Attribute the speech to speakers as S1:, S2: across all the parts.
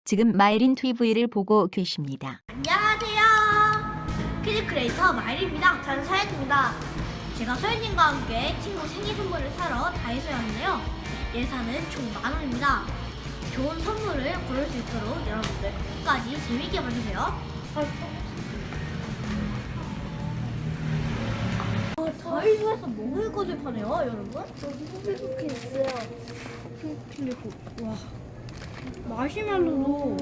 S1: 지금 마이린 TV를 보고 계십니다.
S2: 안녕하세요. 키즈 크리에이터 마일입니다. 저는 서연입니다. 제가 서연님과 함께 친구 생일 선물을 사러 다이소에 왔는데요. 예산은 총 10,000원입니다. 좋은 선물을 고를 수 있도록 여러분들 끝까지 재밌게 봐주세요. 다이소에서 먹을 것을 파네요, 여러분.
S3: 이렇게 있어요.
S2: 그리고 와 마시멜로도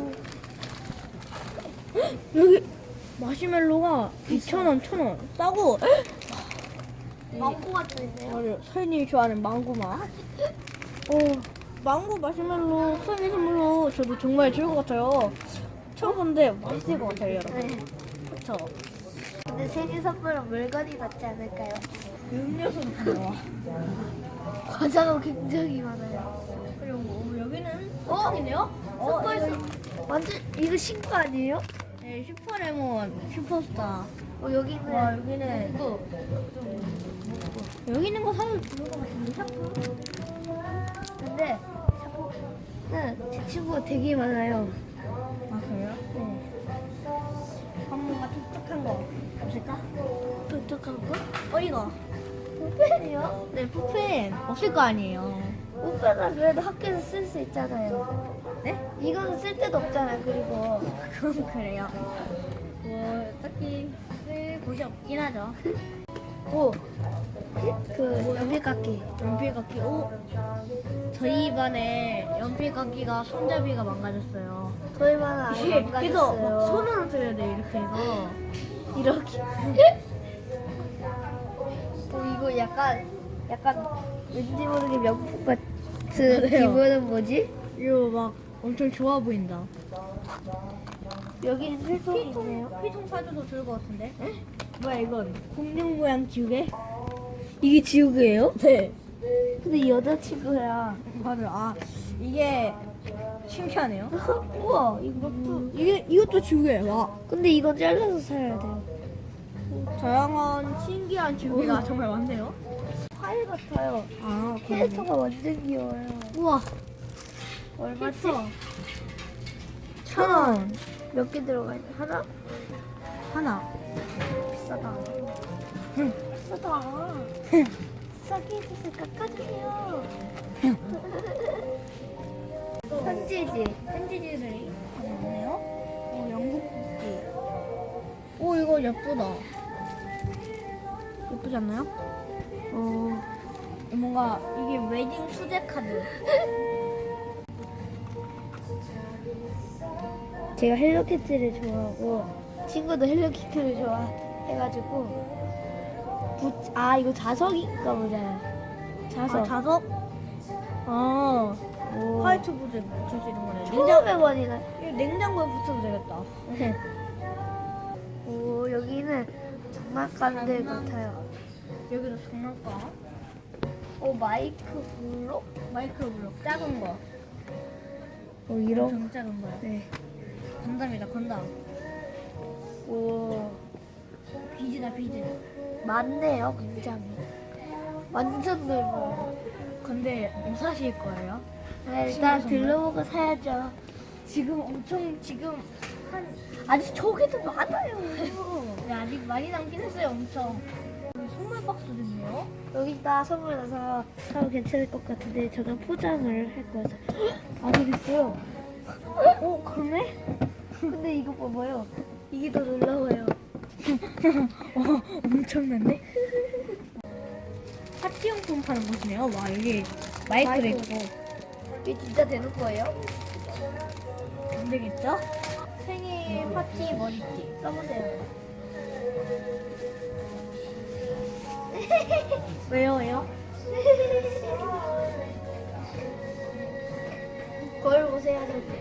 S2: 여기 마시멜로가 2,000원, 1,000원 싸고
S3: 망고가 들어있네요.
S2: 맞아요. 서현님이 좋아하는 망고 맛. 망고 마시멜로 생일 선물로 저도 정말 좋을 것 같아요. 처음 봤는데 맛있을 것 같아요, 여러분.
S3: 네.
S2: 그쵸?
S3: 근데 생일 선물은 물건이 낫지 않을까요?
S2: 음료수도 파네요.
S3: 과자가 굉장히 많아요.
S2: 그리고 여기는
S3: 어?
S2: 포장이네요.
S3: 이거 완전 이거 신거 아니에요?
S2: 네, 슈퍼레몬, 슈퍼스타.
S3: 여기는
S2: 와, 여기는 여기 있는 거 사면 좋을 것 같은데, 샤프?
S3: 근데 샤프는 제 친구가 되게 많아요.
S2: 아, 그래요?
S3: 네.
S2: 뭔가 촉촉한 거 없을까?
S3: 독특한 거?
S2: 이거.
S3: 푸펜이요?
S2: 네, 푸펜 없을 거 아니에요.
S3: 푸펜은 그래도 학교에서 쓸 수 있잖아요.
S2: 네?
S3: 이거는 쓸 데도 없잖아요. 그리고
S2: 그건 그래요. 뭐, 딱히 쓸 곳이 없긴 하죠.
S3: 그 연필깎이.
S2: 연필깎이, 저희 반에 연필깎이가 손잡이가 망가졌어요.
S3: 저희 반은 아예
S2: 이게 그래서 막
S3: 망가졌어요.
S2: 손으로 들여야 돼, 이렇게 해서.
S3: 이렇게. 이거 약간 왠지 모르게 명품 같은
S2: 맞아요.
S3: 기분은 뭐지?
S2: 이거 막 엄청 좋아 보인다.
S3: 여기는 필통이 있네요.
S2: 피통 사줘도 좋을 것 같은데? 뭐야, 이건? 공룡 모양 지우개? 이게 지우개예요? 네.
S3: 근데 여자친구야.
S2: 맞아요. 아, 이게 신기하네요.
S3: 우와, 이것도.
S2: 이것도 지우개. 와.
S3: 근데 이건 잘라서 사야 돼요.
S2: 다양한 신기한 지우개가 정말 많네요.
S3: 파일 같아요.
S2: 아,
S3: 캐릭터가 완전 귀여워요.
S2: 우와.
S3: 얼마지?
S2: 1,000원.
S3: 몇 개 들어가 있나? 하나?
S2: 하나.
S3: 비싸다. 비싸다. 싸게 해주세요. 깎아주세요.
S2: 편지지들이 많네요. 영국 국기. 이거 예쁘다. 예쁘지 않나요? 뭔가 이게 웨딩 수제 카드.
S3: 제가 헬로키티를 좋아하고 친구도 헬로키티를 좋아해가지고 이거 자석인가 보다. 자석.
S2: 자석? 아,
S3: 오.
S2: 화이트보드에 붙일 수 있는 거네.
S3: 1,500원이나.
S2: 이거 냉장고에 붙여도 되겠다.
S3: 오, 여기는 장난감들 같아요.
S2: 여기도 장난감.
S3: 마이크 블록?
S2: 마이크로 블록 작은 거.
S3: 이런.
S2: 엄청 작은 거요.
S3: 네.
S2: 건담이다, 건담.
S3: 오,
S2: 비즈다, 비즈.
S3: 많네요, 굉장히. 완전 넓어요.
S2: 근데 무사실 거예요?
S3: 네, 일단 들러보고 사야죠.
S2: 지금 한
S3: 아직 저기도 많아요.
S2: 네, 아직 많이 남긴 했어요, 엄청. 여기 선물 박스도 있네요.
S3: 여기다 선물 넣어서 사면 괜찮을 것 같은데 저는 포장을 할 거여서. 안에 있어요.
S2: 그러네?
S3: 근데 이거 봐봐요. 이게 더 놀라워요.
S2: 엄청난데? 파티용품 파는 곳이네요. 와, 여기 마이크도
S3: 마이크.
S2: 있고.
S3: 이게 진짜 되는 거예요?
S2: 안 되겠죠? 생일 파티 머리띠.
S3: 써보세요.
S2: 왜요?
S3: 거울 보세요.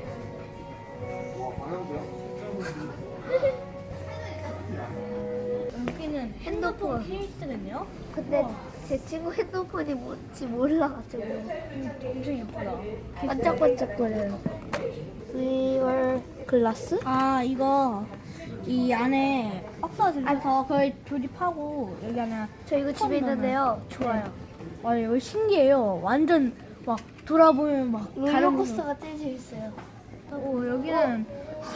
S2: 여기는 핸드폰 케이스겠네요?
S3: 근데 제 친구 핸드폰이 뭔지 몰라가지고
S2: 엄청 예쁘다.
S3: 반짝반짝거려요. 리얼 글라스?
S2: 이거 이 안에 박스가 들어서 그걸 조립하고 여기 안에
S3: 저 이거 집에 있는데요. 좋아요.
S2: 와, 이거 신기해요. 완전 막 돌아보면 막 다른 거.
S3: 롤러코스터가 제일 재밌어요.
S2: 오, 여기는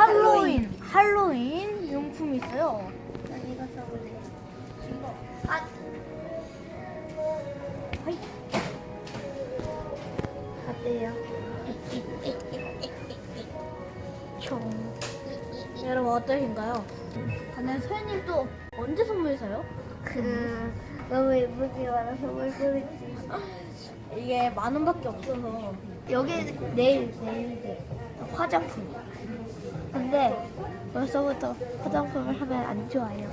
S2: 할로윈 용품이 있어요.
S3: 난 이거 써볼래.
S2: 아,
S3: 어때요?
S2: 총. 여러분 어떠신가요? 근데 서현님 또 언제 선물 사요?
S3: 너무 예쁘게 많아서 뭘 보냈지.
S2: 이게 10,000원밖에 없어서.
S3: 여기 내일 화장품. 근데 벌써부터 화장품을 하면 안 좋아요.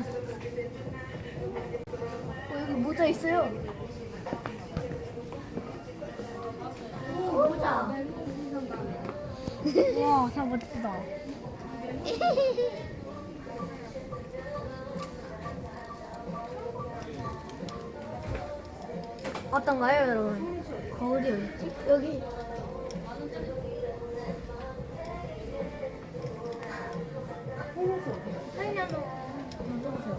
S2: 여기 모자 있어요.
S3: 모자.
S2: 와, 다 멋지다. 어떤가요, 여러분? 거울이 어디 있지?
S3: 여기
S2: 한년도 만져보세요.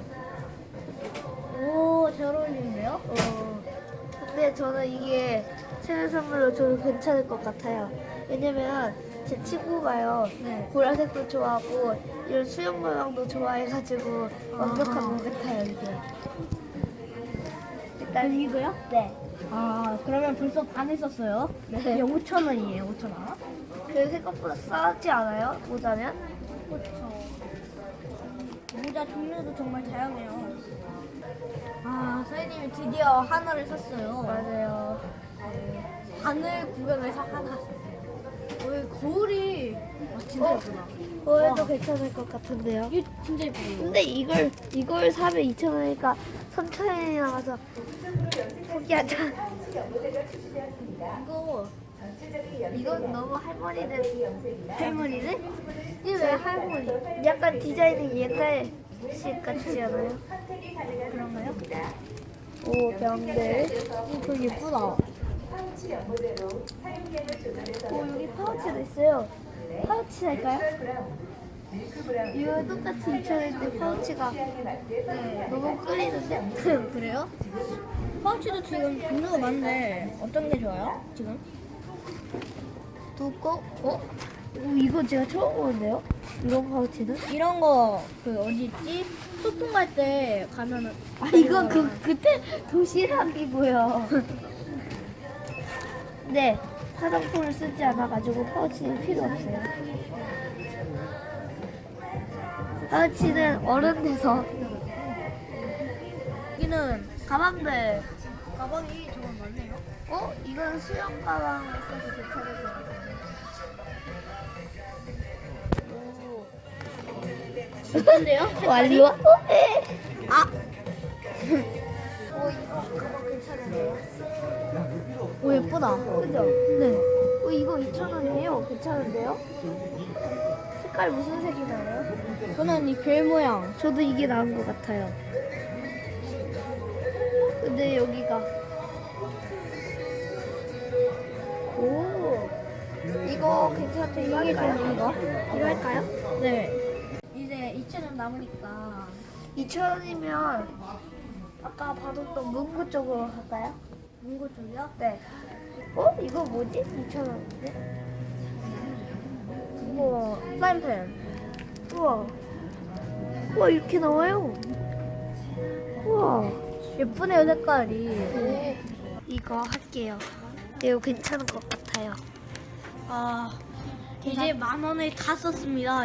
S2: 오, 잘 어울리는데요?
S3: 근데 저는 이게 생일 선물로 줘도 괜찮을 것 같아요. 왜냐면 제 친구가요.
S2: 네.
S3: 보라색도 좋아하고 이런 수영 모양도 좋아해가지고 완벽한 것 같아요 이게. 일단
S2: 이거요?
S3: 네.
S2: 아, 그러면 벌써 반 했었어요?
S3: 네.
S2: 이게 5,000원이에요, 5,000원.
S3: 그 생각보다 싸지 않아요? 모자면?
S2: 그렇죠. 모자 종류도 정말 다양해요. 아, 선생님이 드디어 하나를 샀어요.
S3: 맞아요.
S2: 바늘 구경해서 하나 샀어요. 왜 거울이 진짜 예쁘다.
S3: 그거에도
S2: 와.
S3: 괜찮을 것 같은데요.
S2: 이게 진짜 예쁘다.
S3: 근데 이걸 사면 2,000원이니까 3,000원이 나가서 포기하자. 이건 너무 할머니들
S2: 이게 왜 할머니?
S3: 약간 디자인이 옛날식 같지 않아요?
S2: 그런가요?
S3: 오 병들.
S2: 되게 예쁘다.
S3: 오 여기 파우치도 있어요. 파우치 살까요? 이거 똑같이 2,000원인데 파우치가 너무 끌리는데?
S2: 그래요? 파우치도 지금 종류가 많은데 어떤 게 좋아요? 지금?
S3: 두꺼? 오, 이거 제가 처음 보는데요? 이런 파우치는?
S2: 이런 거 그 어디 있지? 소풍 갈 때 가면은
S3: 아 이거 그때 도시락이고요. 네 화장품을 쓰지 않아가지고 파우치는 필요 없어요. 파우치는 어른 돼서
S2: 여기는
S3: 가방들.
S2: 가방이 정말 많네요.
S3: 이건 수영 가방을 써도 괜찮을 것 같아요.
S2: 예쁜데요?
S3: 완료?
S2: 아,
S3: 이거 가방 괜찮은데요?
S2: 오 예쁘다.
S3: 그죠?
S2: 네.
S3: 이거 2,000원이에요. 괜찮은데요? 색깔 무슨 색이 나요?
S2: 저는 이 별 모양.
S3: 저도 이게 나은 것 같아요. 근데 여기가 오 이거 괜찮대. 이거 할까요? 이거 할까요?
S2: 네. 이제 2,000원 남으니까
S3: 2,000원이면 아까 봐뒀던 문구 쪽으로 갈까요?
S2: 문구 쪽이요?
S3: 네. 이거 뭐지? 2,000원인데?
S2: 우와, 사인펜.
S3: 우와 이렇게 나와요. 우와.
S2: 예쁘네요 색깔이.
S3: 이거 할게요. 이거 괜찮은 것 같아요.
S2: 아, 이제 10,000원을 다 썼습니다.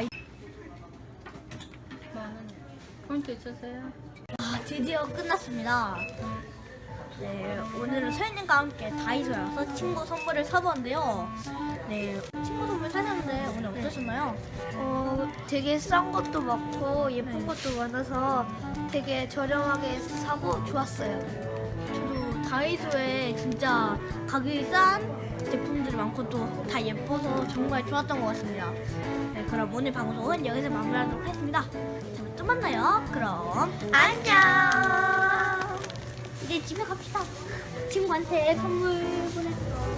S4: 포인트 있으세요?
S2: 아, 드디어 끝났습니다. 네, 오늘은 서현님과 함께 다이소에 와서 친구 선물을 사보았는데요. 네, 친구 선물 사셨는데 오늘 어떠셨나요?
S3: 되게 싼 것도 많고 예쁜 것도 많아서 되게 저렴하게 사고 좋았어요.
S2: 저도 다이소에 진짜 가격이 싼 제품들이 많고 또 다 예뻐서 정말 좋았던 것 같습니다. 네, 그럼 오늘 방송은 여기서 마무리하도록 하겠습니다. 다음에 또 만나요. 그럼 안녕. 이제 집에 갑시다. 친구한테 선물 보냈어.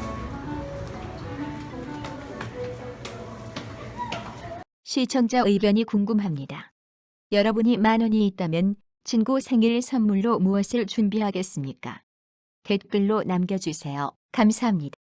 S1: 시청자 의견이 궁금합니다. 여러분이 10,000원이 있다면 친구 생일 선물로 무엇을 준비하겠습니까? 댓글로 남겨주세요. 감사합니다.